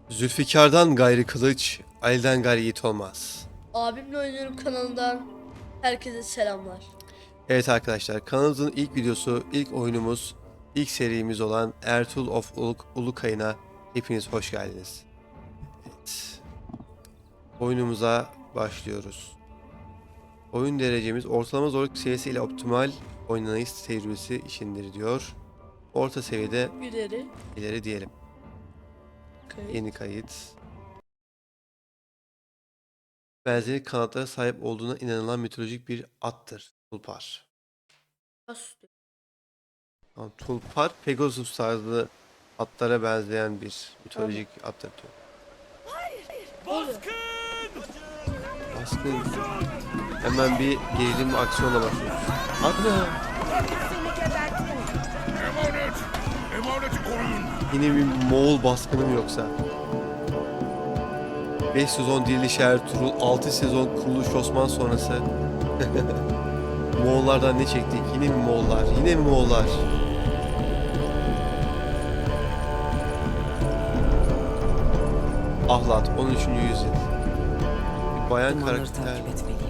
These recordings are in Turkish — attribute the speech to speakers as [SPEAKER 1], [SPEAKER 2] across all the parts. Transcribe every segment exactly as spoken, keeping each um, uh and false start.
[SPEAKER 1] Zülfikar'dan gayrı kılıç, Ali'den gayrı yiğit olmaz.
[SPEAKER 2] Abimle oynuyorum kanalından herkese selamlar.
[SPEAKER 1] Evet arkadaşlar, kanalımızın ilk videosu, ilk oyunumuz, ilk serimiz olan Ertuğrul of Uluk, Ulukay'ına hepiniz hoş geldiniz. Evet. Oyunumuza başlıyoruz. Oyun derecemiz ortalama zorluk seviyesi ile optimal oynanış tecrübesi işindir diyor. Orta seviyede
[SPEAKER 2] İleri.
[SPEAKER 1] ileri diyelim.
[SPEAKER 2] Kayıt.
[SPEAKER 1] Yeni kayıt. Benzeri kanatlara sahip olduğuna inanılan mitolojik bir attır. Tulpar.
[SPEAKER 2] Bas.
[SPEAKER 1] Tamam, Tulpar, Pegasus tarzı atlara benzeyen bir mitolojik attır diyor.
[SPEAKER 2] Baskın!
[SPEAKER 1] Baskın. Hemen bir gerilim aksiyonla başlıyoruz. Ana!
[SPEAKER 3] Emanet! Emaneti koruyun!
[SPEAKER 1] Yine bir Moğol baskını mı yoksa? beş sezon Diriliş Ertuğrul, altı sezon Kuruluş Osman sonrası. Moğollardan ne çektik? Yine mi Moğollar? Yine mi Moğollar? Ahlat, on üçüncü yüzyıl. Bir bayan
[SPEAKER 4] Dumanları
[SPEAKER 1] karakter.
[SPEAKER 4] takip etmeliyim.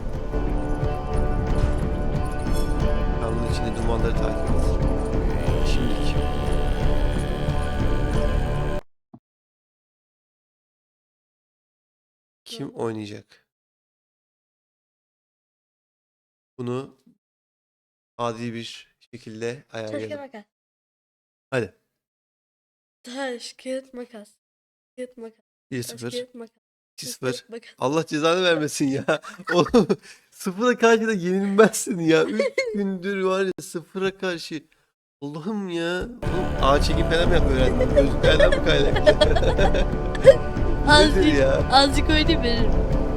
[SPEAKER 1] Kanalın içinde dumanları takip et. Şimdilik. Kim oynayacak? Bunu adil bir şekilde
[SPEAKER 2] Taş kağıt
[SPEAKER 1] ayarlayalım.
[SPEAKER 2] makas.
[SPEAKER 1] Hadi.
[SPEAKER 2] Taş kağıt makas. Kağıt makas.
[SPEAKER 1] bir
[SPEAKER 2] Taş
[SPEAKER 1] sıfır.
[SPEAKER 2] kağıt makas.
[SPEAKER 1] iki
[SPEAKER 2] Taş
[SPEAKER 1] sıfır.
[SPEAKER 2] kağıt makas.
[SPEAKER 1] Allah cezanı vermesin ya. Oğlum sıfıra karşı da yenilmezsin ya. Üç gündür var ya sıfıra karşı. Allah'ım ya. Oğlum ağ çekim falan mı yapıyor öğrendin? Gözlüklerden mi kaynaklı? Nedir
[SPEAKER 2] Azıcık,
[SPEAKER 1] ya?
[SPEAKER 2] azıcık oynayayım veririm.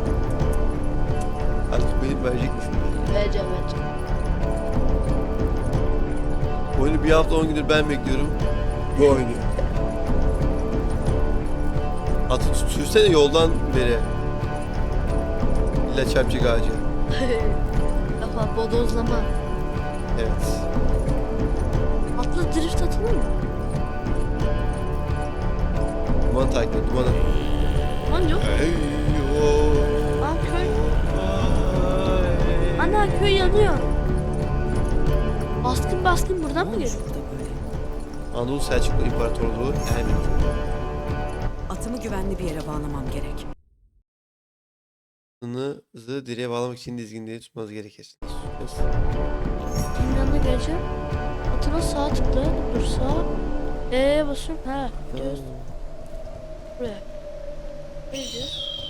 [SPEAKER 1] Artık benim verecek misin?
[SPEAKER 2] Vereceğim vereceğim.
[SPEAKER 1] Oyunu bir hafta on gündür ben bekliyorum. Bu oynuyor. Atı sürsene yoldan beri. İlla çarpacak ağacı.
[SPEAKER 2] Kafa bodozlama.
[SPEAKER 1] Evet.
[SPEAKER 2] Atlı drift atılır mı?
[SPEAKER 1] Duman takip et, dumanı.
[SPEAKER 2] Lan yok.
[SPEAKER 1] Eyvah.
[SPEAKER 2] Aa köy. Ana köy yanıyor. Baskın baskın buradan
[SPEAKER 4] Ne
[SPEAKER 2] mı
[SPEAKER 4] olmuş
[SPEAKER 2] geliyor?
[SPEAKER 4] burada böyle?
[SPEAKER 1] Anadolu Selçuklu İmparatorluğu Ermeni.
[SPEAKER 4] Atımı güvenli bir yere bağlamam gerek.
[SPEAKER 1] Atınızı direğe bağlamak için dizginliği tutmanız gerekir.
[SPEAKER 2] Kimin yanına geleceğim? Atına sağ tıkla. Dur sağ. Eee basıyorum. Ha gidiyoruz. Buraya. Neydi?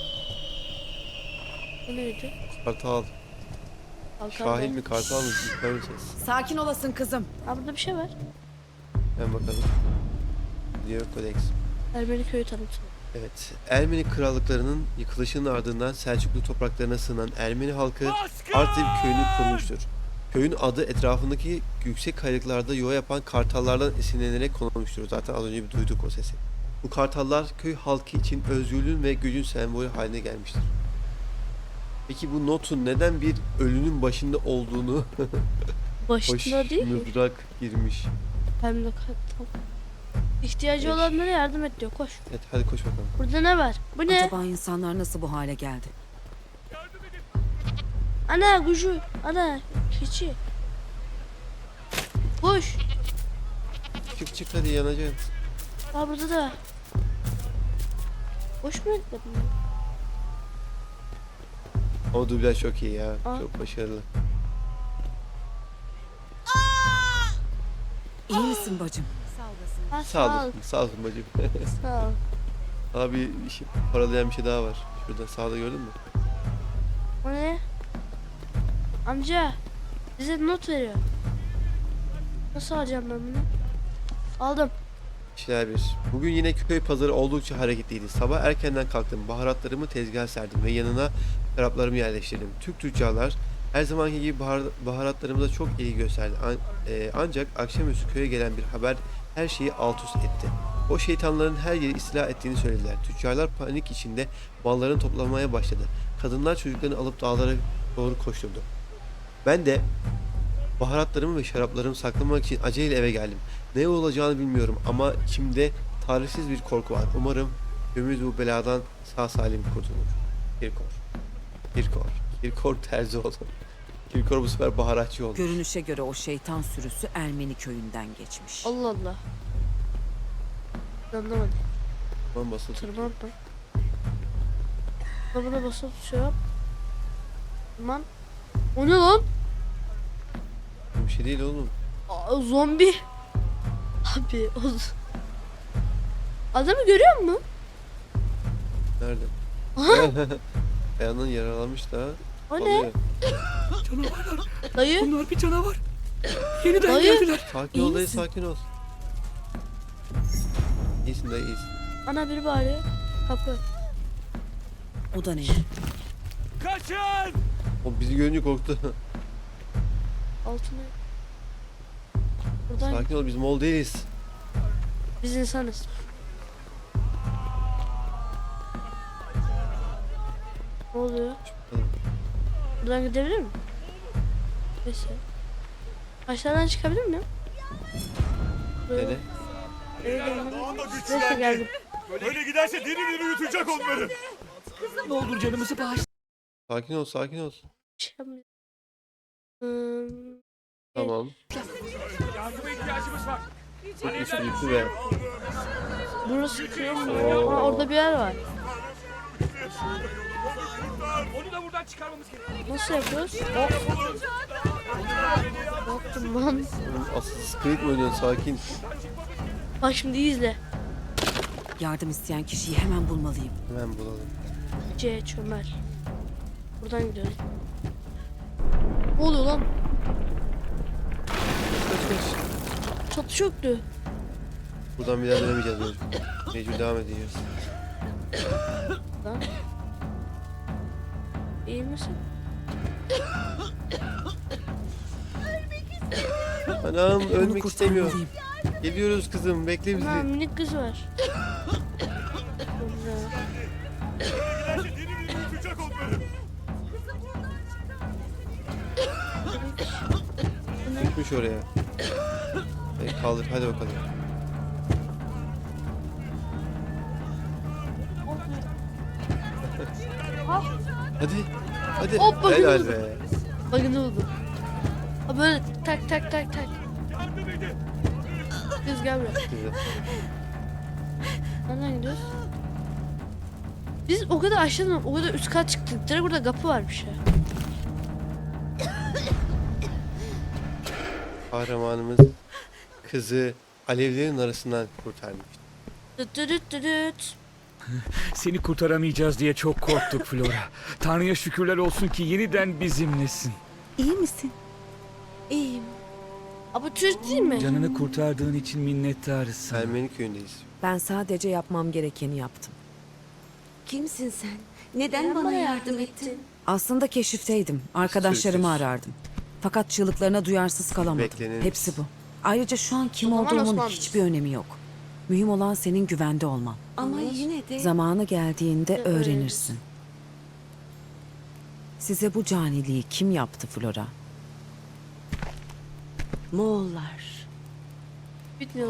[SPEAKER 2] Bu neydi?
[SPEAKER 1] Kartal.
[SPEAKER 2] Kalkan
[SPEAKER 1] Şahin
[SPEAKER 2] var.
[SPEAKER 1] mi kartal mı? Göreceğiz.
[SPEAKER 4] Sakin olasın kızım.
[SPEAKER 2] Ha burada bir şey var.
[SPEAKER 1] Hemen bakalım. Diyor Kodeks.
[SPEAKER 2] Ermeni köyü tanıtım.
[SPEAKER 1] Evet. Ermeni krallıklarının yıkılışının ardından Selçuklu topraklarına sığınan Ermeni halkı Artvin köyünü kurmuştur. Köyün adı etrafındaki yüksek kayalıklarda yuva yapan kartallardan esinlenerek konulmuştur. Zaten az önce bir duyduk o sesi. Bu kartallar köy halkı için özgürlüğün ve gücün sembolü haline gelmiştir. Peki bu notun neden bir ölünün başında olduğunu hoş
[SPEAKER 2] Başında değil mi?
[SPEAKER 1] mızrak girmiş.
[SPEAKER 2] Hem de kartal. İhtiyacı
[SPEAKER 1] Beş.
[SPEAKER 2] olanlara yardım et diyor. Koş.
[SPEAKER 1] Evet hadi koş bakalım.
[SPEAKER 2] Burada ne var? Bu ne?
[SPEAKER 4] Acaba insanlar nasıl bu hale geldi?
[SPEAKER 2] Ana gücü. Ana keçi. Koş.
[SPEAKER 1] Çık çık hadi yanacaksın.
[SPEAKER 2] Aa burada da. Koş mu ettim?
[SPEAKER 1] O dublaj çok iyi ya.
[SPEAKER 2] Aa.
[SPEAKER 1] Çok başarılı.
[SPEAKER 4] İyi misin bacım?
[SPEAKER 2] Ha,
[SPEAKER 1] Sağ
[SPEAKER 2] sağ ol.
[SPEAKER 1] olasın. Sağ olasın bacım.
[SPEAKER 2] Sağ ol.
[SPEAKER 1] Abi işi paralayan bir şey daha var. Şurada sağda gördün mü?
[SPEAKER 2] O ne? Amca. Bize not veriyor. Nasıl alacağım ben bunu? Aldım.
[SPEAKER 1] İşler bir. Bugün yine köy pazarı oldukça hareketliydi. Sabah erkenden kalktım. Baharatlarımı tezgaha serdim ve yanına şaraplarımı yerleştirdim. Türk tüccarlar her zamanki gibi bahar, baharatlarımıza çok ilgi gösterdi. An- e, ancak akşamüstü köye gelen bir haber her şeyi alt üst etti. O şeytanların her yeri istila ettiğini söylediler. Tüccarlar panik içinde mallarını toplamaya başladı. Kadınlar çocuklarını alıp dağlara doğru koşturdu. Ben de baharatlarımı ve şaraplarımı saklamak için aceleyle eve geldim. Ne olacağını bilmiyorum ama içimde tarifsiz bir korku var. Umarım Köyümüz bu beladan sağ salim kurtulur. Kirkor. Kirkor. Kirkor Terzioğlu. Kirkor bu sefer baharatçı olmuş.
[SPEAKER 4] Görünüşe göre o şeytan sürüsü Ermeni köyünden geçmiş.
[SPEAKER 2] Allah Allah. Anlamadım.
[SPEAKER 1] Aman basılı tut.
[SPEAKER 2] Tırman mı? Buna buna basıp şey yap. Tırman. O ne lan?
[SPEAKER 1] Bir şey değil oğlum.
[SPEAKER 2] Aa, zombi. Abi o... z- Adamı görüyor musun?
[SPEAKER 1] Nerede? Ayağından yaralanmış da.
[SPEAKER 2] O ne?
[SPEAKER 1] alıyor.
[SPEAKER 5] Canavarlar.
[SPEAKER 2] Dayı.
[SPEAKER 5] Bunlar bir canavar. Yeniden
[SPEAKER 2] Dayı.
[SPEAKER 5] geldiler.
[SPEAKER 1] Sakin
[SPEAKER 2] İyi
[SPEAKER 1] ol dayı,
[SPEAKER 2] misin?
[SPEAKER 1] sakin ol. İyisin dayı, iyisin.
[SPEAKER 2] Ana biri bağırıyor. Kapı.
[SPEAKER 4] O da ne?
[SPEAKER 5] Kaçın!
[SPEAKER 1] O bizi görünce korktu.
[SPEAKER 2] Altına. Buradan
[SPEAKER 1] Sakin ol, biz Moğol değiliz.
[SPEAKER 2] biz insanız. Ne oluyor? Buradan gidebilir miyim? Neyse. Aşağıdan çıkabilir miyim? Buraya-
[SPEAKER 1] Dene.
[SPEAKER 2] Eve gelmem. Neyse geldim.
[SPEAKER 3] Böyle giderse diri diri yutacak onları.
[SPEAKER 5] Ne olur canımızı bağışla.
[SPEAKER 1] Sakin ol, sakin ol.
[SPEAKER 2] Şey yapmayayım. Hmm,
[SPEAKER 1] Tamam.
[SPEAKER 3] Yardıma ihtiyacımız var.
[SPEAKER 1] Üstü bitti be.
[SPEAKER 2] burası köy mü? Aa, orada bir yer var.
[SPEAKER 5] Onu da buradan çıkarmamız gerekiyor.
[SPEAKER 2] Nasıl yapıyoruz? Hop. Ne yaptım lan?
[SPEAKER 1] Oğlum, asıl Creed mi oynuyorsun? Sakin.
[SPEAKER 2] Bak şimdi iyi izle.
[SPEAKER 4] Yardım isteyen kişiyi hemen bulmalıyım.
[SPEAKER 1] Hemen bulalım.
[SPEAKER 2] C çömel. Buradan gidiyoruz. Ne oluyor lan?
[SPEAKER 1] Kaç kaç.
[SPEAKER 2] Çatı çöktü.
[SPEAKER 1] Buradan bir daha dönemeyeceğiz böyle. Mecbur devam edeceğiz.
[SPEAKER 2] Lan. İyi misin?
[SPEAKER 1] Anam
[SPEAKER 4] Onu
[SPEAKER 1] ölmek istemiyor.
[SPEAKER 4] kurtarmalıyım.
[SPEAKER 1] Geliyoruz kızım, bekle
[SPEAKER 2] Ha
[SPEAKER 1] bizi.
[SPEAKER 2] minik kız var. Güzel.
[SPEAKER 3] Giderse diri diri yutacak onları.
[SPEAKER 1] Gitmiş oraya. Hey, kaldır, hadi bakalım. Hadi, hadi.
[SPEAKER 2] Hop, bakın
[SPEAKER 1] Helal
[SPEAKER 2] buldum.
[SPEAKER 1] be.
[SPEAKER 2] Bakın ne oldu? Ha böyle tak tak tak tak.
[SPEAKER 3] Yardım edin.
[SPEAKER 2] Kız gel buraya.
[SPEAKER 1] Güzel.
[SPEAKER 2] Nereden gidiyoruz? Biz o kadar aşağıdan o kadar üst kat çıktık. Direkt burada kapı varmış ya.
[SPEAKER 1] Kahramanımız kızı alevlerin arasından kurtarmış.
[SPEAKER 2] Düt düt düt düt düt.
[SPEAKER 5] Seni kurtaramayacağız diye çok korktuk Flora. Tanrı'ya şükürler olsun ki yeniden bizimlesin.
[SPEAKER 4] İyi misin?
[SPEAKER 2] İyiyim. Abi Türk değil mi?
[SPEAKER 5] Canını kurtardığın için minnettarız sana.
[SPEAKER 1] Ermeni köyündeyiz.
[SPEAKER 4] Ben sadece yapmam gerekeni yaptım.
[SPEAKER 6] Kimsin sen? Neden bana yardım ettin?
[SPEAKER 4] Aslında keşifteydim. Arkadaşlarımı
[SPEAKER 1] Sürpriz.
[SPEAKER 4] arardım. Fakat çığlıklarına duyarsız kalamadım.
[SPEAKER 1] Beklenir.
[SPEAKER 4] Hepsi bu. Ayrıca şu an kim
[SPEAKER 2] O zaman
[SPEAKER 4] olduğumun
[SPEAKER 2] Osmanlıyız.
[SPEAKER 4] hiçbir önemi yok. Mühim olan senin güvende olman.
[SPEAKER 6] Ama yine de
[SPEAKER 4] Zamanı geldiğinde
[SPEAKER 2] De öğrenirsin.
[SPEAKER 4] öğrenirsin. Size bu caniliği kim yaptı Flora?
[SPEAKER 6] Moğollar.
[SPEAKER 2] Bitmiyor.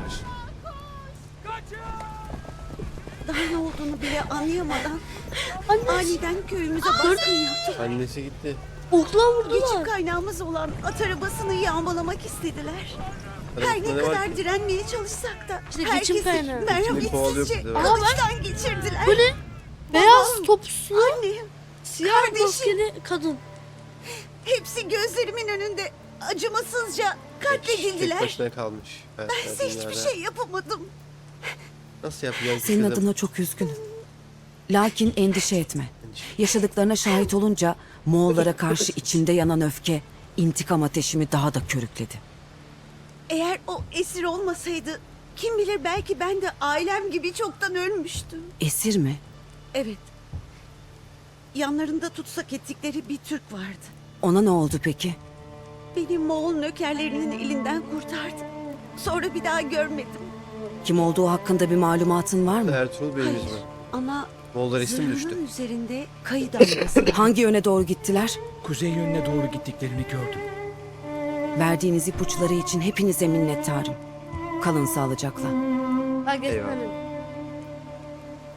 [SPEAKER 6] Daha ne olduğunu bile anlayamadan aniden köyümüze baskın yaptı.
[SPEAKER 1] Annesi gitti.
[SPEAKER 2] Okla vurdular.
[SPEAKER 6] Geçim kaynağımız olan at arabasını yağmalamak istediler. Her
[SPEAKER 1] Arabasında
[SPEAKER 6] ne
[SPEAKER 1] ne var
[SPEAKER 6] kadar
[SPEAKER 1] ki?
[SPEAKER 6] direnmeye çalışsak da
[SPEAKER 2] İşte geçim
[SPEAKER 6] herkesi
[SPEAKER 2] kaynağı.
[SPEAKER 1] İçini kovalıyor
[SPEAKER 6] merhametsizce
[SPEAKER 1] bizi.
[SPEAKER 6] kılıçtan geçirdiler.
[SPEAKER 2] Bu ne? Beyaz topslu,
[SPEAKER 6] Annem,
[SPEAKER 2] siyah
[SPEAKER 6] kardeşim.
[SPEAKER 2] maskeli kadın.
[SPEAKER 6] hepsi gözlerimin önünde acımasızca
[SPEAKER 1] Tek
[SPEAKER 6] katledildiler.
[SPEAKER 1] başına kalmış. Evet,
[SPEAKER 6] Bense hiçbir
[SPEAKER 1] dünyada.
[SPEAKER 6] şey yapamadım.
[SPEAKER 1] Nasıl yapacağız
[SPEAKER 4] Senin
[SPEAKER 1] kızım?
[SPEAKER 4] adına çok üzgünüm. Lakin endişe etme. Yaşadıklarına şahit olunca Moğollara karşı içimde yanan öfke intikam ateşimi daha da körükledi.
[SPEAKER 6] Eğer o esir olmasaydı kim bilir belki ben de ailem gibi çoktan ölmüştüm.
[SPEAKER 4] Esir mi?
[SPEAKER 6] Evet. Yanlarında tutsak ettikleri bir Türk vardı.
[SPEAKER 4] Ona ne oldu peki?
[SPEAKER 6] Beni Moğol nökerlerinin elinden kurtardı. Sonra bir daha görmedim.
[SPEAKER 4] Kim olduğu hakkında bir malumatın var mı?
[SPEAKER 1] Ertuğrul Bey'imiz mi?
[SPEAKER 6] Ama
[SPEAKER 1] Moğollar isim düştü.
[SPEAKER 6] zırhının üzerinde kayı damgası.
[SPEAKER 4] Hangi yöne doğru gittiler?
[SPEAKER 5] Kuzey yönüne doğru gittiklerini gördüm.
[SPEAKER 4] Verdiğiniz ipuçları için hepinize minnettarım. Kalın sağlıcakla.
[SPEAKER 2] Bak
[SPEAKER 1] Eyvallah.
[SPEAKER 2] etmedim.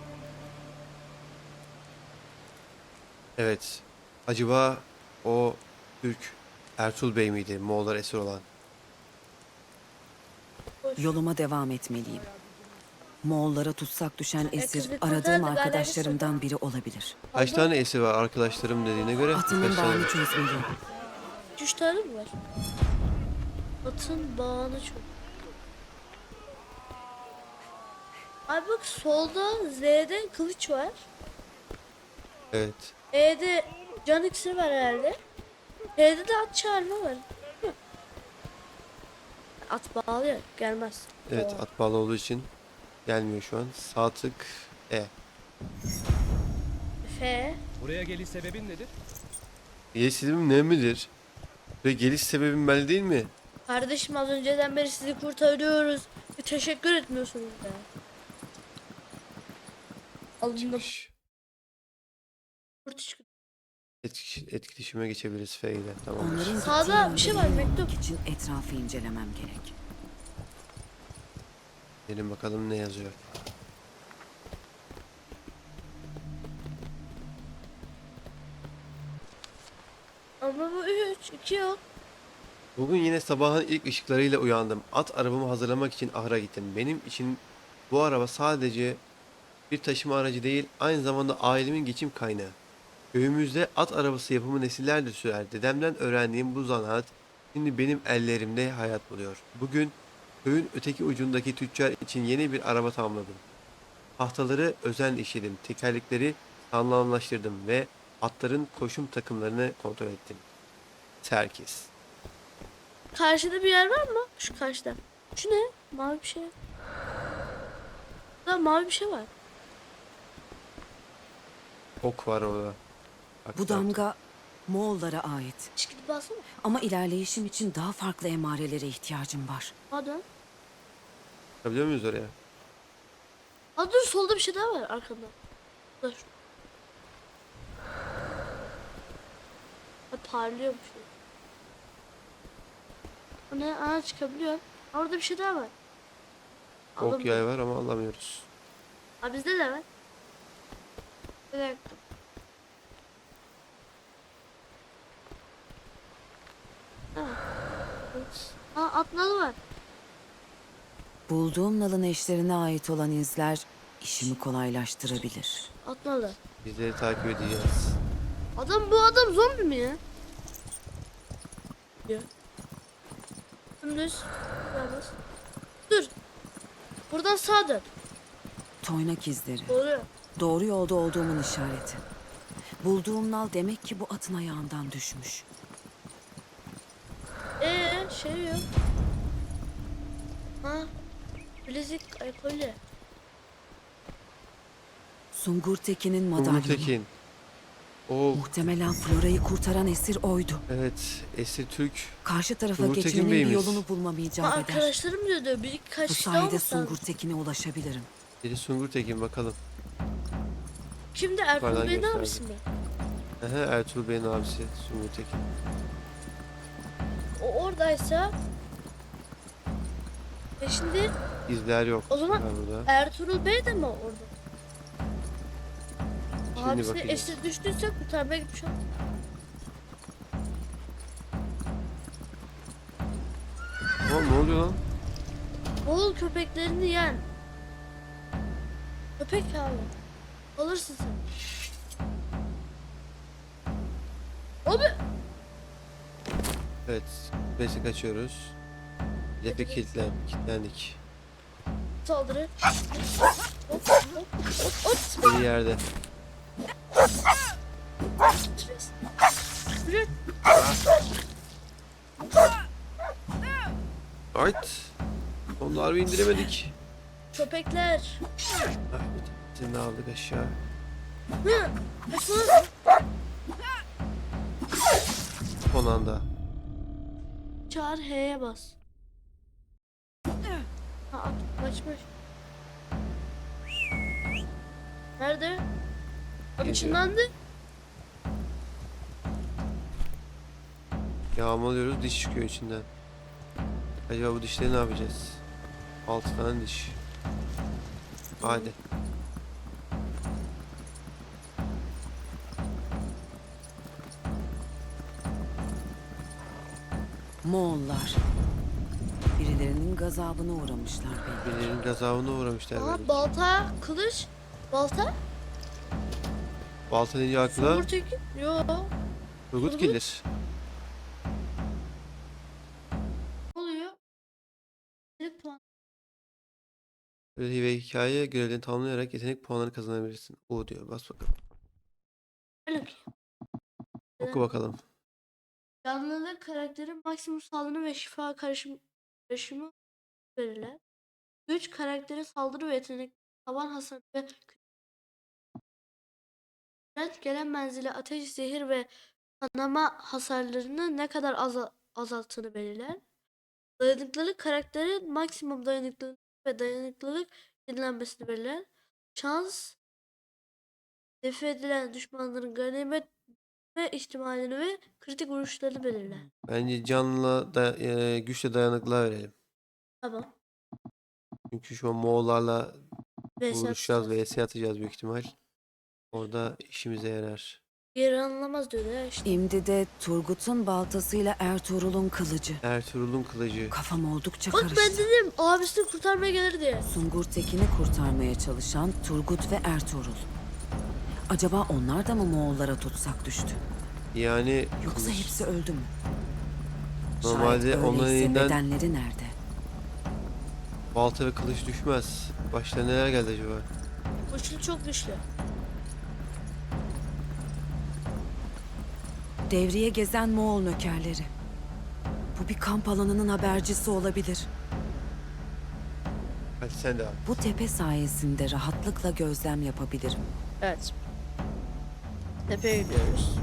[SPEAKER 1] Evet. Acaba o Türk Ertuğrul Bey miydi Moğollar esir olan?
[SPEAKER 4] Yoluma devam etmeliyim. Moğollara tutsak düşen
[SPEAKER 2] E,
[SPEAKER 4] esir
[SPEAKER 2] kızı
[SPEAKER 4] aradığım
[SPEAKER 2] kurtardı,
[SPEAKER 4] arkadaşlarımdan biri olabilir.
[SPEAKER 1] Kaç
[SPEAKER 2] Abla,
[SPEAKER 1] tane esir var arkadaşlarım dediğine göre?
[SPEAKER 4] Atının
[SPEAKER 1] Kaç tane?
[SPEAKER 4] bağını çözmeliyim.
[SPEAKER 2] iki üç tane mi var? Atın bağını çok. Abi bak solda Z'de kılıç var.
[SPEAKER 1] Evet.
[SPEAKER 2] E'de can iksiri var herhalde. T'de de at çağırma var. Hı. At bağlıyor. Gelmez.
[SPEAKER 1] Evet,
[SPEAKER 2] Oo.
[SPEAKER 1] at bağlı olduğu için gelmiyor şu an. Sağ tık E.
[SPEAKER 2] F.
[SPEAKER 7] Buraya geliş sebebin nedir?
[SPEAKER 1] Geliş sebebim ne midir? Ve geliş sebebim belli değil mi?
[SPEAKER 2] Kardeşim az önceden beri sizi kurtarıyoruz. Bir teşekkür etmiyorsunuz ya. Alnında
[SPEAKER 1] Şş,
[SPEAKER 2] kurt çıktı.
[SPEAKER 1] etki- Etkileşime geçebiliriz F ile. Tamam.
[SPEAKER 4] Onların
[SPEAKER 2] Sağda
[SPEAKER 4] gittiği
[SPEAKER 2] bir şey
[SPEAKER 4] yönde
[SPEAKER 2] var,
[SPEAKER 4] bulunmak
[SPEAKER 2] mektup.
[SPEAKER 4] için etrafı incelemem gerek.
[SPEAKER 1] Gelin bakalım ne yazıyor.
[SPEAKER 2] Ama bu üç, iki yok.
[SPEAKER 1] Bugün yine sabahın ilk ışıklarıyla uyandım. At arabamı hazırlamak için ahıra gittim. Benim için bu araba sadece bir taşıma aracı değil, aynı zamanda ailemin geçim kaynağı. Köyümüzde at arabası yapımı nesillerdir sürer. Dedemden öğrendiğim bu zanaat şimdi benim ellerimde hayat buluyor. Bugün köyün öteki ucundaki tüccar için yeni bir araba tamamladım. Tahtaları özenle işledim, tekerlekleri sağlamlaştırdım ve atların koşum takımlarını kontrol ettim. Serkis.
[SPEAKER 2] Karşıda bir yer var mı? Şu karşıda. Şu ne? Mavi bir şey. Burada mavi bir şey var.
[SPEAKER 1] Ok var orada. Bak,
[SPEAKER 4] Bu damga Moğollara ait.
[SPEAKER 2] Hiç gidip alsana.
[SPEAKER 4] Ama ilerleyişim için daha farklı emarelere ihtiyacım var.
[SPEAKER 2] Hadi.
[SPEAKER 1] bakabiliyor muyuz oraya?
[SPEAKER 2] Aa dur solda bir şey daha var arkanda. Dur. Ha, parlıyor bir şey. O ne? Aa çıkabiliyor. Orada bir şey daha var.
[SPEAKER 1] Ok
[SPEAKER 2] Alamıyorum.
[SPEAKER 1] yay var ama alamıyoruz.
[SPEAKER 2] Aa bizde de var. Bir dakika. Ha. Aa atnalı var.
[SPEAKER 4] Bulduğum nalın eşlerine ait olan izler işimi kolaylaştırabilir.
[SPEAKER 2] Atnalı.
[SPEAKER 1] Bizleri takip edeceğiz.
[SPEAKER 2] Adam bu adam zombi mi ya? Ya. Dümdüz. Yalnız. Dur. Buradan sağa dön.
[SPEAKER 4] Toynak izleri.
[SPEAKER 2] Doğru.
[SPEAKER 4] Doğru yolda olduğumun işareti. Bulduğum nal demek ki bu atın ayağından düşmüş.
[SPEAKER 2] Ee şey yok. Ha. Bilezik ay kolye.
[SPEAKER 4] Sungur Tekin'in
[SPEAKER 1] Umut
[SPEAKER 4] madalyonu.
[SPEAKER 1] Tekin. O
[SPEAKER 4] Muhtemelen Flora'yı kurtaran esir oydu.
[SPEAKER 1] evet, esir Türk.
[SPEAKER 4] Karşı tarafa
[SPEAKER 1] Sungur Tekin
[SPEAKER 4] geçmenin bir
[SPEAKER 1] Bey'imiz.
[SPEAKER 4] yolunu bulmam
[SPEAKER 2] Ha,
[SPEAKER 4] icap eder.
[SPEAKER 2] arkadaşlarım diyordu. Bir kaç
[SPEAKER 4] Bu
[SPEAKER 2] kişi daha
[SPEAKER 4] sayede
[SPEAKER 2] olması
[SPEAKER 4] Sungur
[SPEAKER 2] lazım.
[SPEAKER 4] Tekin'e ulaşabilirim.
[SPEAKER 1] Biri Sungur Tekin bakalım.
[SPEAKER 2] Kimdi? Ertuğrul
[SPEAKER 1] Yukarıdan
[SPEAKER 2] Bey'in
[SPEAKER 1] gösterdi.
[SPEAKER 2] abisi mi?
[SPEAKER 1] Aha, Ertuğrul Bey'in abisi Sungur Tekin.
[SPEAKER 2] O oradaysa. E şimdi
[SPEAKER 1] İzler yok.
[SPEAKER 2] O zaman-
[SPEAKER 1] var burada.
[SPEAKER 2] Ertuğrul Bey de mi orada?
[SPEAKER 1] Şimdi
[SPEAKER 2] Abisi
[SPEAKER 1] bakacağız.
[SPEAKER 2] esir düştüyse kurtarmaya gitmiş o.
[SPEAKER 1] Oğlum ne oluyor lan?
[SPEAKER 2] Oğul köpeklerini yen. Köpek abi. Alırsın sen. Abi.
[SPEAKER 1] Evet. Besi kaçıyoruz. Hedefe kilitlen, kilitlendik.
[SPEAKER 2] Saldırı. Hop hop hop hop.
[SPEAKER 1] Biri yerde.
[SPEAKER 2] Yürü.
[SPEAKER 1] Ait. Onları indiremedik.
[SPEAKER 2] Köpekler.
[SPEAKER 1] Ah, seni de aldık aşağı.
[SPEAKER 2] Hı. Kaçsana.
[SPEAKER 1] Son anda.
[SPEAKER 2] Çağır H'ye bas. Ha at kaçmış. Nerede? Abi
[SPEAKER 1] Geliyor.
[SPEAKER 2] ışınlandı.
[SPEAKER 1] Yağmalıyoruz, diş çıkıyor içinden. Acaba bu dişleri ne yapacağız? Altı tane diş. Hadi.
[SPEAKER 4] Moğollar. Birilerinin gazabına uğramışlar belli.
[SPEAKER 1] Birilerinin gazabına uğramışlar
[SPEAKER 2] Aa
[SPEAKER 1] böyle.
[SPEAKER 2] balta, kılıç. Balta?
[SPEAKER 1] Balta deyince aklına
[SPEAKER 2] Somurtaki? Yo.
[SPEAKER 1] Turgut
[SPEAKER 2] Turgut.
[SPEAKER 1] gelir.
[SPEAKER 2] Ne oluyor? Yetenek puan.
[SPEAKER 1] Görev ve hikaye görevlerini tamamlayarak yetenek puanları kazanabilirsin. O diyor. Bas bakalım.
[SPEAKER 2] Öyle ki.
[SPEAKER 1] Oku bakalım.
[SPEAKER 2] Canlılık karakteri maksimum saldırı ve şifa karışım, karışımı verirler. Güç karakteri saldırı ve yetenek, taban hasar ve küret gelen menzile ateş, zehir ve kanama hasarlarını ne kadar aza- azalttığını belirler. Dayanıklılık karakteri maksimum dayanıklılık ve dayanıklılık yenilenmesini belirler. Şans defa edilen düşmanların ganimet ve ihtimalini ve kritik vuruşlarını belirler.
[SPEAKER 1] Bence canla da, e, güçle dayanıklılığa verelim.
[SPEAKER 2] Tamam.
[SPEAKER 1] Çünkü şu an Moğollarla
[SPEAKER 2] V S
[SPEAKER 1] vuruşacağız
[SPEAKER 2] atacağız.
[SPEAKER 1] ve S atacağız büyük ihtimal. Orada işimize yarar.
[SPEAKER 2] Geri anlamaz diyor ya işte.
[SPEAKER 4] Şimdi de Turgut'un baltasıyla Ertuğrul'un kılıcı.
[SPEAKER 1] Ertuğrul'un kılıcı.
[SPEAKER 4] Kafam oldukça
[SPEAKER 2] Bak
[SPEAKER 4] karıştı.
[SPEAKER 2] ben dedim abisini kurtarmaya gelir diye.
[SPEAKER 4] Sungur Tekin'i kurtarmaya çalışan Turgut ve Ertuğrul. Acaba onlar da mı Moğollara tutsak düştü?
[SPEAKER 1] Yani
[SPEAKER 4] Yoksa
[SPEAKER 1] kılıç.
[SPEAKER 4] hepsi öldü mü?
[SPEAKER 1] Normalde
[SPEAKER 4] Şayet
[SPEAKER 1] onların
[SPEAKER 4] öyleyse
[SPEAKER 1] elinden
[SPEAKER 4] bedenleri nerede?
[SPEAKER 1] balta ve kılıç düşmez. Başlarına neler geldi acaba?
[SPEAKER 2] Güçlü çok güçlü.
[SPEAKER 4] Devriye gezen Moğol nökerleri. Bu bir kamp alanının habercisi olabilir.
[SPEAKER 1] Hadi sen de al.
[SPEAKER 4] Bu tepe sayesinde rahatlıkla gözlem yapabilirim.
[SPEAKER 2] Evet. Tepeye gidiyoruz.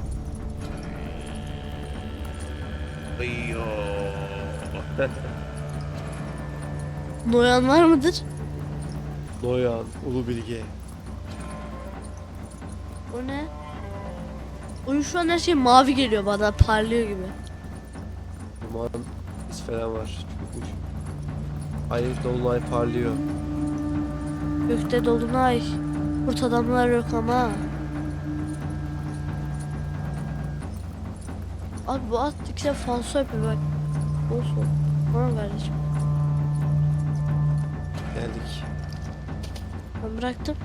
[SPEAKER 2] Noyan var mıdır?
[SPEAKER 1] Noyan, Ulu Bilge.
[SPEAKER 2] O ne? Oyun şu an her şey mavi geliyor bana, parlıyor gibi.
[SPEAKER 1] Duman iz falan var. Çıkmış. Ay dolunay parlıyor.
[SPEAKER 2] Gökte dolunay. Kurt adamlar yok ama. Abi bu at ikisi falso yapıyor bak. Olsun. Tamam kardeşim.
[SPEAKER 1] Geldik.
[SPEAKER 2] Ben bıraktım.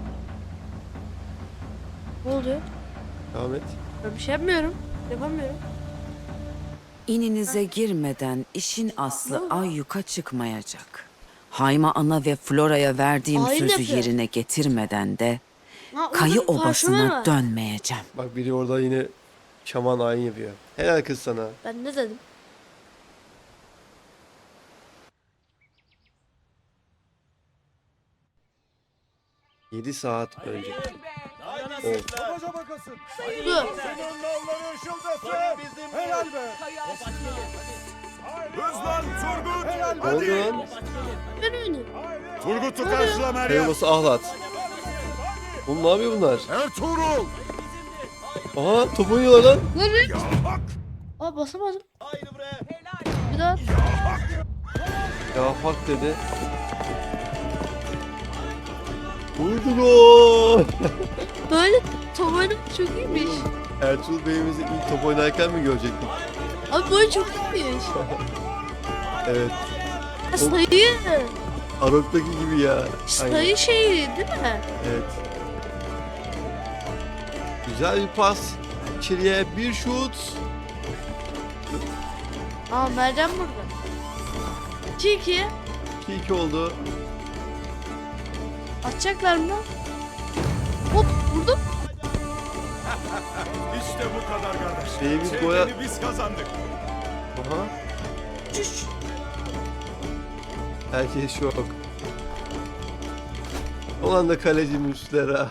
[SPEAKER 2] Ne oluyor?
[SPEAKER 1] Devam et.
[SPEAKER 2] Ben bir şey yapmıyorum. Yapamıyorum.
[SPEAKER 4] İninize girmeden işin aslı ayyuka çıkmayacak. Hayma ana ve Flora'ya verdiğim
[SPEAKER 2] Hain
[SPEAKER 4] sözü
[SPEAKER 2] yapıyor.
[SPEAKER 4] yerine getirmeden de
[SPEAKER 2] Ha,
[SPEAKER 4] Kayı
[SPEAKER 2] orada bir parşömen
[SPEAKER 4] Obası'na
[SPEAKER 2] var.
[SPEAKER 4] dönmeyeceğim.
[SPEAKER 1] Bak biri orada yine şaman ayin yapıyor. Helal kız sana.
[SPEAKER 2] Ben ne dedim?
[SPEAKER 1] yedi saat önce. Of.
[SPEAKER 3] Babaca bakasın.
[SPEAKER 2] Dur.
[SPEAKER 3] Senin nalları ışıldasın. Helal be. Hızlan Turgut. Helal
[SPEAKER 1] Ne oldu lan?
[SPEAKER 2] Ben oynayayım.
[SPEAKER 3] Turgut'u karşıla Meryem.
[SPEAKER 1] Kayılması ahlat. Oğlum ne yapıyor bunlar?
[SPEAKER 3] Ertuğrul.
[SPEAKER 1] Aha top oynuyorlar lan.
[SPEAKER 2] Lan ne? Aa basamadım. Bir daha.
[SPEAKER 1] Ya hak dedi. Vurdu gol.
[SPEAKER 2] Böyle top oynamak çok iyiymiş.
[SPEAKER 1] Ertuğrul Bey'imizi ilk top oynarken mi görecektik?
[SPEAKER 2] Abi bu oyun çok iyiymiş.
[SPEAKER 1] Evet.
[SPEAKER 2] Ha, sayı.
[SPEAKER 1] Arok'taki gibi ya. Aynen.
[SPEAKER 2] Sayı şeyi değil mi?
[SPEAKER 1] Evet. Güzel bir pas. İçeriye bir şut.
[SPEAKER 2] Aa Meryem burada. iki iki.
[SPEAKER 1] iki iki oldu.
[SPEAKER 2] Atacaklar mı? Hop vurdum.
[SPEAKER 3] İşte bu kadar kardeş.
[SPEAKER 1] Şeyimiz
[SPEAKER 3] Çevreni
[SPEAKER 1] boya-
[SPEAKER 3] biz kazandık.
[SPEAKER 1] Aha.
[SPEAKER 2] Çüş.
[SPEAKER 1] Herkes şok. Olan da kaleci Muslera.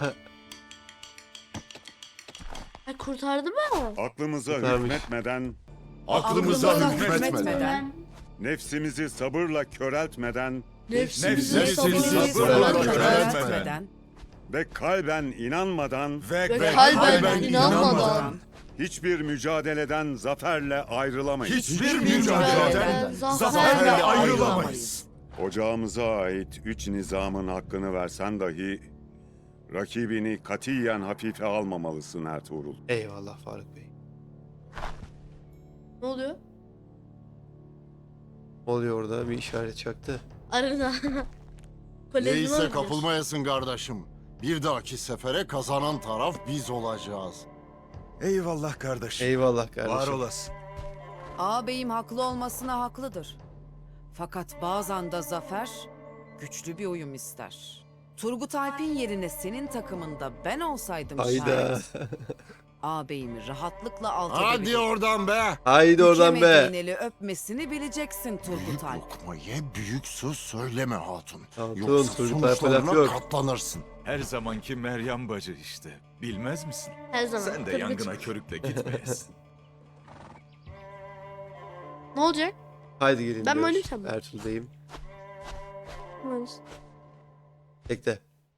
[SPEAKER 2] Ay kurtardı mı?
[SPEAKER 7] Aklımıza
[SPEAKER 1] Kurtarmış.
[SPEAKER 7] hükmetmeden,
[SPEAKER 3] Aklımıza
[SPEAKER 4] Aklımıza
[SPEAKER 3] hükmetmeden.
[SPEAKER 4] hükmetmeden.
[SPEAKER 7] nefsimizi sabırla köreltmeden
[SPEAKER 2] Nefsimizi
[SPEAKER 3] Nefsimizi
[SPEAKER 2] sabırla
[SPEAKER 3] sabırla
[SPEAKER 2] köreltmeden
[SPEAKER 3] köreltmeden.
[SPEAKER 7] ve kalben inanmadan
[SPEAKER 3] Ve,
[SPEAKER 2] ve
[SPEAKER 3] ve
[SPEAKER 2] kalben inanmadan
[SPEAKER 7] hiçbir mücadeleden zaferle ayrılamayız.
[SPEAKER 3] hiçbir
[SPEAKER 2] mücadeleden
[SPEAKER 3] mücadeleden
[SPEAKER 2] zaferle
[SPEAKER 3] zaferle
[SPEAKER 2] ayrılamayız.
[SPEAKER 3] ayrılamayız.
[SPEAKER 7] Ocağımıza ait üç nizamın hakkını versen dahi rakibini katiyen hafife almamalısın Ertuğrul.
[SPEAKER 1] Eyvallah Faruk Bey.
[SPEAKER 2] Ne oluyor?
[SPEAKER 1] Ne oluyor orada? Bir işaret çaktı.
[SPEAKER 2] Arena. Kolezyona
[SPEAKER 8] Neyse
[SPEAKER 2] gidiyoruz.
[SPEAKER 8] kapılmayasın kardeşim. Bir dahaki sefere kazanan taraf biz olacağız.
[SPEAKER 3] Eyvallah kardeşim.
[SPEAKER 1] Eyvallah kardeşim.
[SPEAKER 3] Var olasın.
[SPEAKER 4] Ağabeyim haklı olmasına haklıdır. Fakat bazen de zafer güçlü bir uyum ister. Turgut Alp'in yerine senin takımında ben olsaydım
[SPEAKER 1] Hayda.
[SPEAKER 4] şayet ağabeyimi rahatlıkla alt
[SPEAKER 8] Hadi
[SPEAKER 4] edebilirdim.
[SPEAKER 8] oradan be.
[SPEAKER 1] Haydi oradan
[SPEAKER 4] Bükemediğin
[SPEAKER 1] be.
[SPEAKER 4] eli öpmesini bileceksin Turgut
[SPEAKER 8] Büyük
[SPEAKER 4] Alp.
[SPEAKER 8] lokma ye, büyük söz söyleme hatun.
[SPEAKER 1] Hatun,
[SPEAKER 8] Yoksa
[SPEAKER 1] Turgut Alp'e laf
[SPEAKER 8] sonuçlarına
[SPEAKER 1] yok.
[SPEAKER 8] katlanırsın.
[SPEAKER 3] Her zamanki Meryem bacı işte. Bilmez misin?
[SPEAKER 2] Her zaman.
[SPEAKER 3] Sen de
[SPEAKER 2] Turgut.
[SPEAKER 3] yangına körükle gitmeyesin.
[SPEAKER 2] Ne olacak?
[SPEAKER 1] Haydi gelin
[SPEAKER 2] Ben mi
[SPEAKER 1] diyor.
[SPEAKER 2] oynayacağım mı?
[SPEAKER 1] Ertuğrul Bey'im. Bekle.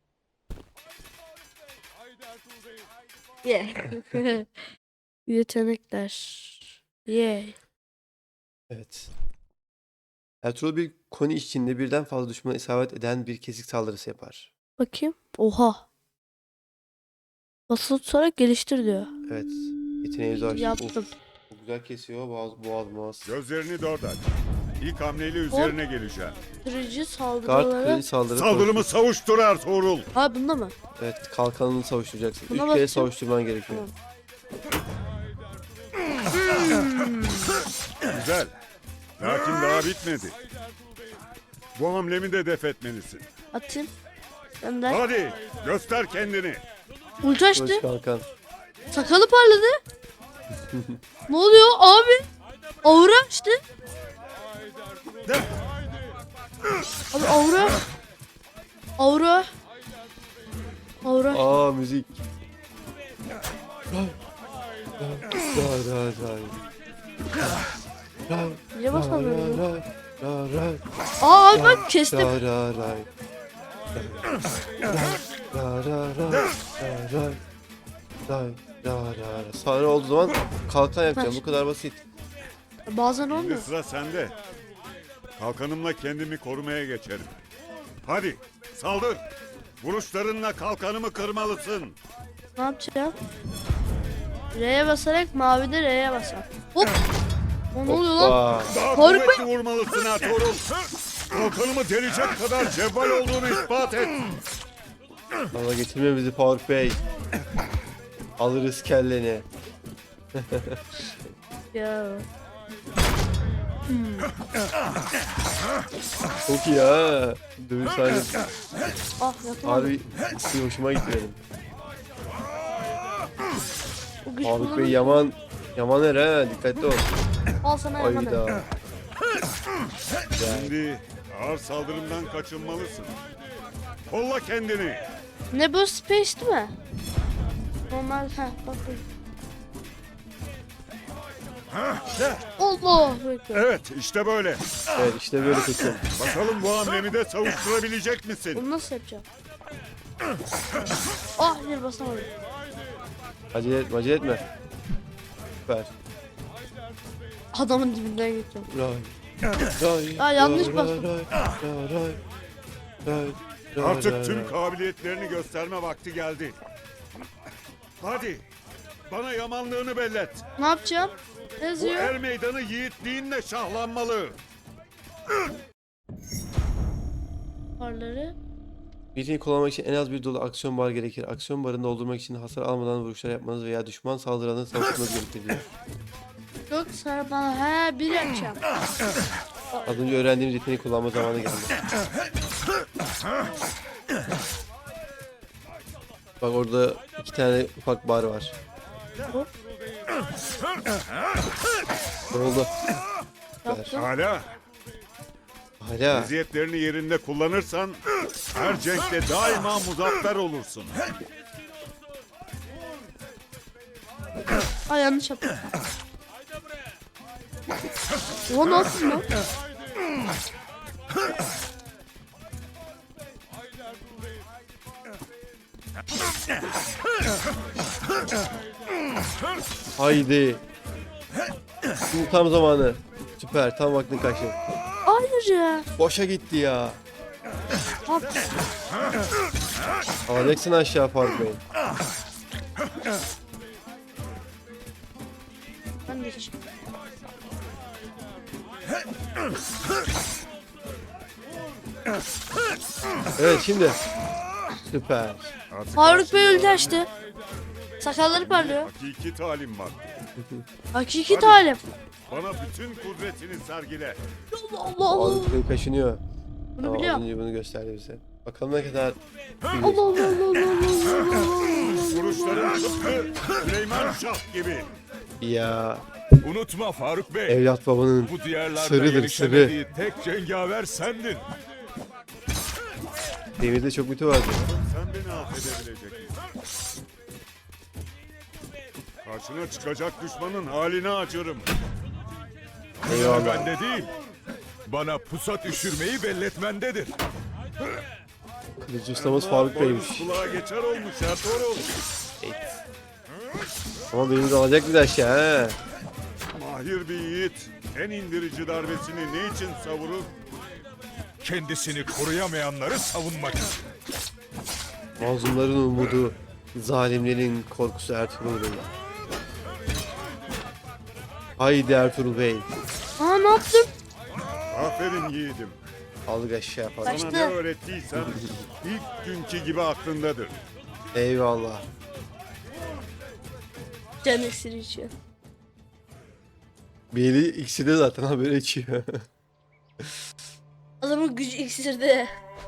[SPEAKER 2] Yeah. Yetenekler. Yeah.
[SPEAKER 1] Evet. Ertuğrul bir koni içinde birden fazla düşmana isabet eden bir kesik saldırısı yapar.
[SPEAKER 2] Bakayım. Oha. Basılı tutarak geliştir diyor.
[SPEAKER 1] Evet. Yeteneğimizi açtık.
[SPEAKER 2] Yaptım.
[SPEAKER 1] Of, çok güzel kesiyor. Boğaz, boğaz, boğaz.
[SPEAKER 7] Gözlerini dört aç. İlk hamleyle üzerine geleceğim.
[SPEAKER 2] Kırıcı
[SPEAKER 1] Kart
[SPEAKER 2] saldırıları.
[SPEAKER 1] kredi saldırı.
[SPEAKER 7] Saldırımı savuştur Ertuğrul.
[SPEAKER 2] Ha bunda mı?
[SPEAKER 1] Evet. Kalkanını savuşturacaksın.
[SPEAKER 2] Buna
[SPEAKER 1] Üç kere
[SPEAKER 2] basacağım.
[SPEAKER 1] savuşturman gerekiyor.
[SPEAKER 7] Güzel. Lakin daha bitmedi. Bu hamlemi de def etmelisin.
[SPEAKER 2] Atayım. Gönder.
[SPEAKER 7] Hadi göster kendini.
[SPEAKER 2] Ulti açtı.
[SPEAKER 1] Kılıç kalkan.
[SPEAKER 2] Sakalı parladı. Ne oluyor abi? Aura açtı. Abi aura. Aura. Aura.
[SPEAKER 1] Aa müzik. Ra ra ra. Ra
[SPEAKER 2] Niye
[SPEAKER 1] ra
[SPEAKER 2] basamıyorum?
[SPEAKER 1] ra ra ra.
[SPEAKER 2] Aa abi bak kestim.
[SPEAKER 1] Ra ra ra. Ra ra ra ra ra. Ra ra ra. Sonra olduğu zaman kalkan yapacağım. Bu kadar basit.
[SPEAKER 2] Bazen
[SPEAKER 7] Şimdi
[SPEAKER 2] olmuyor.
[SPEAKER 7] sıra sende. Kalkanımla kendimi korumaya geçerim. Hadi saldır. Vuruşlarınla kalkanımı kırmalısın.
[SPEAKER 2] Ne yapacağım? R'ye basarak mavide R'ye basar. Hop. O ne oluyor lan?
[SPEAKER 1] Hoppa.
[SPEAKER 7] Daha
[SPEAKER 2] Faruk
[SPEAKER 7] kuvvetli vurmalısın Ertuğrul. Kalkanımı delecek kadar cevval olduğunu ispat et.
[SPEAKER 1] Ama getirme bizi Faruk Bey. Alırız kelleni.
[SPEAKER 2] Ya.
[SPEAKER 1] Çok iyi ha. Dövüş sahnesi.
[SPEAKER 2] Ah yapamadım.
[SPEAKER 1] Harbi bir hoşuma gitti benim.
[SPEAKER 2] O güç
[SPEAKER 1] Faruk Bey
[SPEAKER 2] kullanıyor.
[SPEAKER 1] yaman. Yaman er ha. Dikkatli ol.
[SPEAKER 2] Al sana yaman.
[SPEAKER 1] Ayda.
[SPEAKER 7] Şimdi ağır saldırımdan kaçınmalısın. Kolla kendini.
[SPEAKER 2] Ne bu space değil mi? Normal ha bak bu. Allah bekle.
[SPEAKER 7] Evet işte böyle.
[SPEAKER 1] Evet işte böyle kötü.
[SPEAKER 7] Bakalım bu hamlemi de savuşturabilecek misin?
[SPEAKER 2] Bunu nasıl yapacağım? Ah bir basamadım.
[SPEAKER 1] Acele etme, acele etme. Süper.
[SPEAKER 2] Adamın dibinden geçiyorum.
[SPEAKER 1] Ray. Ray.
[SPEAKER 2] Aa, yanlış
[SPEAKER 1] ray,
[SPEAKER 2] bastım.
[SPEAKER 1] ray, ray, ray, ray, ray,
[SPEAKER 7] Artık
[SPEAKER 1] ray,
[SPEAKER 7] tüm
[SPEAKER 1] ray.
[SPEAKER 7] kabiliyetlerini gösterme vakti geldi. Hadi bana yamanlığını bellet.
[SPEAKER 2] Ne yapacağım? Ne
[SPEAKER 7] Bu
[SPEAKER 2] yazıyor?
[SPEAKER 7] er meydanı yiğitliğinle şahlanmalı.
[SPEAKER 2] Parları.
[SPEAKER 1] Yeteneği kullanmak için en az bir dolu aksiyon bar gerekir. Aksiyon barını doldurmak için hasar almadan vuruşlar yapmanız veya düşman saldırılarını savuşturmanız gerekir diyor.
[SPEAKER 2] Yok sana bana he bir yapacağım.
[SPEAKER 1] Az önce öğrendiğimiz yeteneği kullanma zamanı geldi. Bak orada iki tane ufak bar var.
[SPEAKER 2] Hop.
[SPEAKER 1] Ne oldu?
[SPEAKER 2] Yaptım.
[SPEAKER 7] Hala
[SPEAKER 1] Hala.
[SPEAKER 7] eziyetlerini yerinde kullanırsan her cenkte daima muzaffer olursun.
[SPEAKER 2] Aa yanlış yaptım. O ne yaptın lan?
[SPEAKER 1] Haydi. Şimdi tam zamanı. Süper. Tam vaktin kaçtı.
[SPEAKER 2] Hayır ya.
[SPEAKER 1] Boşa gitti ya.
[SPEAKER 2] Bak.
[SPEAKER 1] Alacaksın aşağı Faruk Bey.
[SPEAKER 2] Ben de hiç.
[SPEAKER 1] Evet şimdi. Süper.
[SPEAKER 7] Artık
[SPEAKER 2] Faruk Bey
[SPEAKER 7] karşında
[SPEAKER 2] öldü açtı. Sakalları parlıyor.
[SPEAKER 7] Hakiki talim var.
[SPEAKER 2] Hakiki talim.
[SPEAKER 7] Bana bütün kudretini sergile.
[SPEAKER 2] Allah Allah Allah.
[SPEAKER 1] Faruk Bey kaşınıyor.
[SPEAKER 2] Bunu
[SPEAKER 1] Tamam, az
[SPEAKER 2] biliyorum.
[SPEAKER 1] önce bunu gösterdi bize. Bakalım ne kadar.
[SPEAKER 2] Allah Allah Allah Allah Allah Allah.
[SPEAKER 7] Vuruşların tıpkı Süleyman Şah gibi.
[SPEAKER 1] Ya
[SPEAKER 3] Unutma Faruk Bey.
[SPEAKER 1] evlat babanın
[SPEAKER 3] Bu diyarlarda
[SPEAKER 1] sırrıdır,
[SPEAKER 3] yenişemediği tek cengaver sendin.
[SPEAKER 1] demirde çok mütü vardı.
[SPEAKER 7] Sen beni affedebilecek misin? Karşına çıkacak düşmanın halini acırım.
[SPEAKER 1] Eyvallah.
[SPEAKER 3] Bende değil. Bana pusat üşürmeyi belletmendedir.
[SPEAKER 1] Kılıcı ustamız Faruk
[SPEAKER 7] Boynuz
[SPEAKER 1] Bey'miş.
[SPEAKER 7] kulağa geçer olmuş Ertuğrul.
[SPEAKER 1] Ama beni de alacak bir de aşağı he.
[SPEAKER 7] Mahir bir yiğit en indirici darbesini ne için savurur?
[SPEAKER 3] Kendisini koruyamayanları savunmak için.
[SPEAKER 1] Mazlumların umudu, zalimlerin korkusu Ertuğrul Bey. Haydi Ertuğrul Bey.
[SPEAKER 2] Aa ne yaptım?
[SPEAKER 7] Aferin yiğidim.
[SPEAKER 1] Aldık aşağı falan.
[SPEAKER 2] Kaç-
[SPEAKER 7] Sana
[SPEAKER 2] Kaçtı.
[SPEAKER 7] ne öğrettiysem ilk günkü gibi aklındadır.
[SPEAKER 1] Eyvallah.
[SPEAKER 2] Can esiri içiyor.
[SPEAKER 1] Beli ikisi zaten haberi içiyor.
[SPEAKER 2] Adamın gücü iksirde.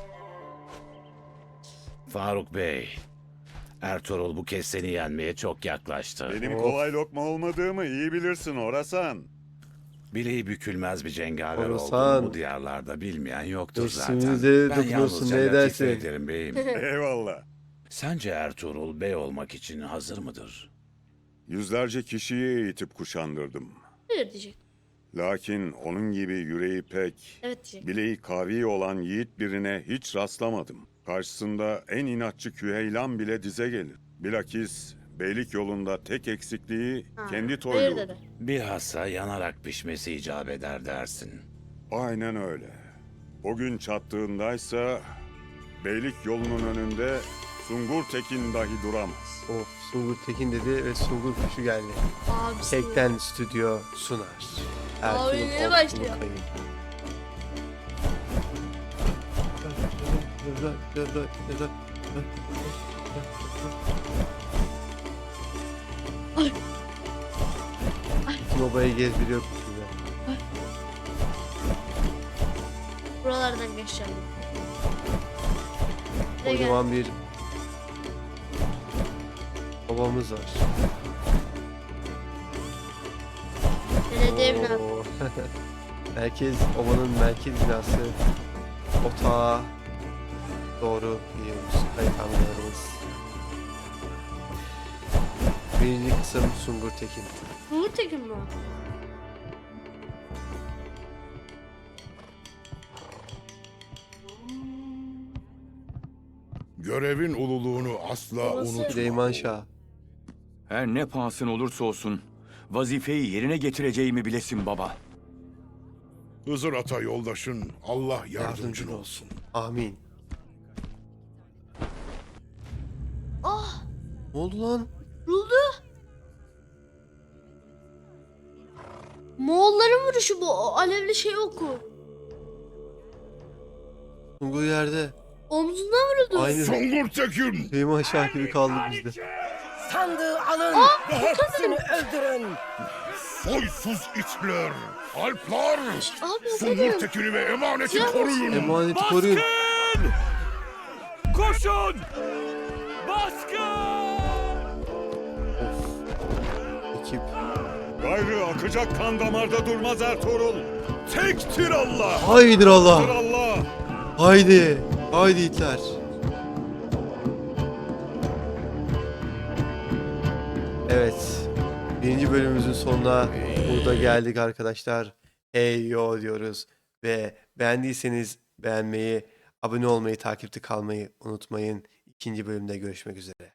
[SPEAKER 9] Faruk Bey, Ertuğrul bu kez seni yenmeye çok yaklaştı.
[SPEAKER 7] Benim
[SPEAKER 1] Of.
[SPEAKER 7] kolay lokma olmadığımı iyi bilirsin Orasan.
[SPEAKER 9] Bileği bükülmez bir cengaver
[SPEAKER 1] Orasan.
[SPEAKER 9] olduğunu bu diyarlarda bilmeyen yoktur zaten.
[SPEAKER 1] İsminize
[SPEAKER 9] Ben
[SPEAKER 1] dokunuyorsun,
[SPEAKER 9] yalnızca
[SPEAKER 1] ne
[SPEAKER 9] latife
[SPEAKER 1] edersin?
[SPEAKER 9] ederim beyim.
[SPEAKER 7] Eyvallah.
[SPEAKER 9] Sence Ertuğrul bey olmak için hazır mıdır?
[SPEAKER 7] Yüzlerce kişiyi eğitip kuşandırdım.
[SPEAKER 2] Hayır diyecek.
[SPEAKER 7] Lakin onun gibi yüreği pek,
[SPEAKER 2] Evet diyecek.
[SPEAKER 7] bileği kavi olan yiğit birine hiç rastlamadım. Karşısında en inatçı Küheylan bile dize gelir. Bilakis beylik yolunda tek eksikliği
[SPEAKER 2] Ha,
[SPEAKER 7] kendi
[SPEAKER 2] hayır
[SPEAKER 7] toyluğu.
[SPEAKER 2] dedi.
[SPEAKER 9] Bilhassa yanarak pişmesi icap eder dersin.
[SPEAKER 7] Aynen öyle. O gün çattığındaysa beylik yolunun önünde Sungur Tekin dahi duramaz.
[SPEAKER 1] Of Sungur Tekin dedi ve Sungur kuşu geldi.
[SPEAKER 2] Abi.
[SPEAKER 1] Tekten stüdyo sunar.
[SPEAKER 2] Abi, yeni
[SPEAKER 1] Orkun'un
[SPEAKER 2] başlıyor.
[SPEAKER 1] kayıp.
[SPEAKER 2] Ay.
[SPEAKER 1] Bütün obayı gezdiriyor kuşuyla.
[SPEAKER 2] Buralardan geçeceğim. Buraya gel.
[SPEAKER 1] Kocaman bir obamız var.
[SPEAKER 2] Belediye binası.
[SPEAKER 1] Oo. Merkez, obanın merkez binası otağa doğru gidiyoruz. Kayıthanelerimiz. Birinci kısım Sungur Tekin.
[SPEAKER 2] Uğur Tekin mi o?
[SPEAKER 3] Görevin ululuğunu asla
[SPEAKER 2] Babası.
[SPEAKER 1] Süleyman Şah.
[SPEAKER 10] Her ne pahasına olursa olsun vazifeyi yerine getireceğimi bilesin baba.
[SPEAKER 3] Hızır Ata yoldaşın Allah yardımcın
[SPEAKER 1] Yardımcın
[SPEAKER 3] olsun.
[SPEAKER 1] olsun. Amin.
[SPEAKER 2] Ah!
[SPEAKER 1] Ne oldu lan?
[SPEAKER 2] Vuruldu. Moğolların vuruşu bu. O alevli şey oku.
[SPEAKER 1] Sungur yerde.
[SPEAKER 2] Omzundan vuruldu.
[SPEAKER 1] Aynı
[SPEAKER 3] Sungur Tekin!
[SPEAKER 1] Süleyman Şah gibi kaldık biz de.
[SPEAKER 6] Sandığı alın ve hepsini öldürün.
[SPEAKER 3] Soysuz itler! Alplar!
[SPEAKER 2] Abi o
[SPEAKER 3] Sungur
[SPEAKER 2] benim.
[SPEAKER 3] Tekin'i ve emaneti
[SPEAKER 2] Silah
[SPEAKER 3] koruyun!
[SPEAKER 1] Emaneti koruyun.
[SPEAKER 3] Koşun! Baskın!
[SPEAKER 1] Ekip.
[SPEAKER 7] Gayrı akacak kan damarda durmaz Ertuğrul.
[SPEAKER 3] Tektir Allah!
[SPEAKER 1] Haydi
[SPEAKER 7] Dır
[SPEAKER 1] Allah.
[SPEAKER 7] Allah!
[SPEAKER 1] Haydi. Haydi itler. Evet. Birinci bölümümüzün sonuna burada geldik arkadaşlar. Hey yo diyoruz. Ve beğendiyseniz beğenmeyi, abone olmayı, takipte kalmayı unutmayın. İkinci bölümde görüşmek üzere.